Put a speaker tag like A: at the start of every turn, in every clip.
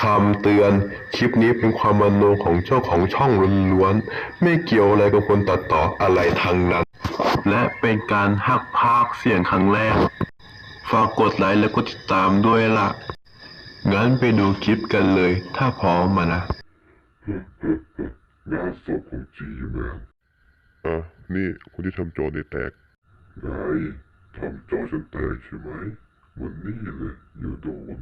A: คำเตือนคลิปนี้เป็นความมโนของเจ้าของช่องล้วนๆไม่เกี่ยวอะไรกับคนตัดต่ออะไรทั้งนั้นและเป็นการหักพากย์เสียงครั้งแรกฝากกดไลค์และกดติดตามด้วยล่ะงั้นไปดูคลิปกันเลยถ้าพร้อมมานะ
B: งานศพของจีแมนนี่คนที่ทำจอในแตกไงทำจอฉันแตกใช่ไหมวันนี้เลยอย่าโดน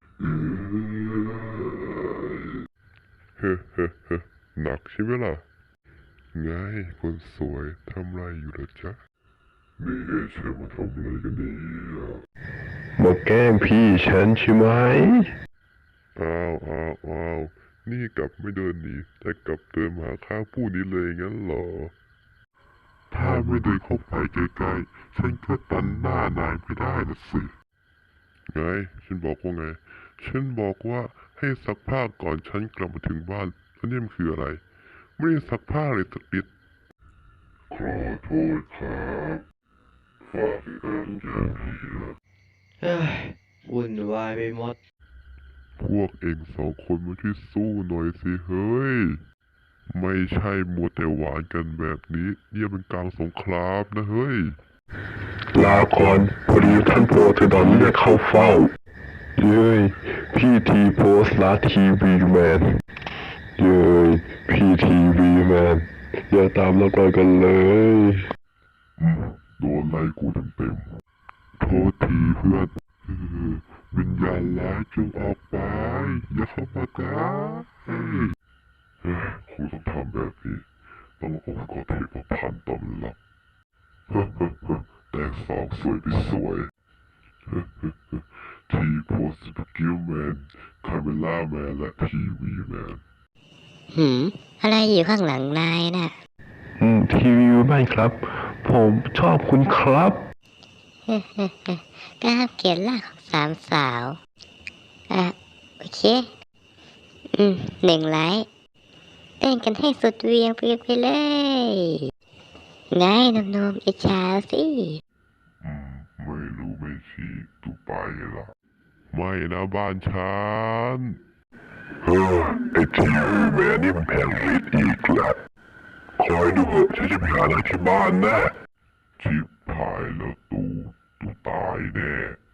B: เฮ้เฮ้เฮ้หนักใช่ไหมล่ะไงคนสวยทำไรอยู่ล่ะจ๊ะนี่ไงเชฟมาทำอะไรกันเนี่ย
A: มาแกล้งพี่ฉันใช่ไหม
B: อ้าวนี่กลับไม่เดินหนีแต่กลับเดินมาข้างผู้นี้เลยงั้นเหรอถ้าไม่เดินเข้าไปใกล้ๆฉันก็ตันหน้านายไม่ได้นะสิไงฉันบอกว่าไงฉันบอกว่าให้ซักผ้าก่อนฉันกลับมาถึงบ้านแล้วนี่มันคืออะไรไม่ได้ซักผ้าเลยสักนิดขอโทษครับฝากกันอย่างนี้นะ
C: เฮ้ยวุ่นวายไปหมด
B: พวกเองสองคนมาช่วยสู้หน่อยสิเฮ้ยไม่ใช่มัวแต่หวานกันแบบนี้เนี่ยเป็นกลางสงครามนะเฮ้ย
A: ลาก่อนพอดีท่านโปรเทดอนเรียกเข้าเฝ้าเย้ยพี่ทีโพสต์ลาทีวีแมนเย้ยพี่ทีวีแมนอย่าตามเราต่อยกันเลย
B: โดนไล่กูเต็มๆโทษทีเพื่อนวิญญาณร้ายจงออกไปอย่าเข้ามาใกล้ครูต้องทำแบบนี้ต้ององค์กรเทพพันธ์ตำรับแต่สองสวยไปสวยทีโพสสกิลแมนคาเมล่าแมนและทีวีแมน
D: อะไรอยู่ข้างหลังนายน่ะ
A: ทีวีแมนครับผมชอบคุณครับ
D: กล้าเกลียดล่าของสามสาวโอเค1 ไลค์เต้นกันให้สุดเวียงไปเลยไงนมอิจฉาสิ
B: ไม่รู้ไม่ชี้ตูไปละไม่นะบ้านฉันไอทีวีแมนนี่มันแพงฤทธิ์อีกแล้วคอยดูเถอะฉันจะไปหาอะไรที่บ้านแน่ชิบหายแล้วตูตายแน่